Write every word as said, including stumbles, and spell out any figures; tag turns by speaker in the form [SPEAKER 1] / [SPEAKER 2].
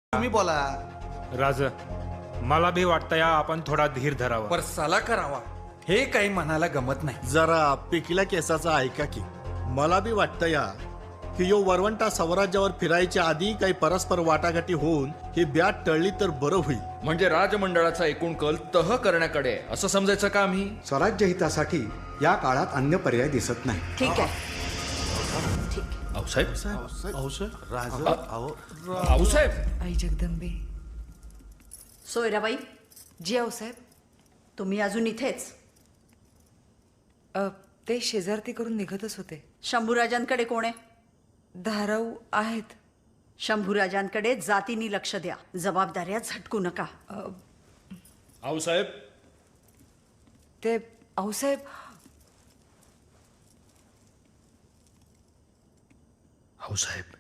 [SPEAKER 1] तुम्ही बोला.
[SPEAKER 2] राज, मला भी वाटतं या आपण थोडा धीर धरावा.
[SPEAKER 3] पर साला करावा हे काही मनाला गमत नाही.
[SPEAKER 4] जरा पिकल्या केसाचा ऐका की. मला बी वाटतं या की यो वरवंटा स्वराज्यावर फिरायच्या आधी काही परस्पर वाटाघाटी होऊन ही ब्याट टळली तर बरं होईल.
[SPEAKER 5] म्हणजे राजमंडळाचा एकूण कल तह करण्याकडे आहे, असं समजायचं का आम्ही?
[SPEAKER 6] स्वराज्य हितासाठी या काळात अन्य पर्याय दिसत नाही.
[SPEAKER 7] ठीक आहे. ठीक आहे.
[SPEAKER 5] आऊसाहेब
[SPEAKER 1] औषध राज अहो
[SPEAKER 5] आऊसाहेब
[SPEAKER 8] आई जगदंबे.
[SPEAKER 7] सोयराबाई,
[SPEAKER 8] जी आऊसाहेब.
[SPEAKER 7] तुम्ही अजून इथेच?
[SPEAKER 8] अ, ते शेजारती करून निघतच होते.
[SPEAKER 7] शंभूराजांकडे कोण आहे?
[SPEAKER 8] धाराऊ आहेत.
[SPEAKER 7] शंभूराजांकडे जातीनी लक्ष द्या, जबाबदाऱ्या झटकू नका.
[SPEAKER 5] आऊसाहेब
[SPEAKER 8] ते आऊसाहेब.
[SPEAKER 5] आऊसाहेब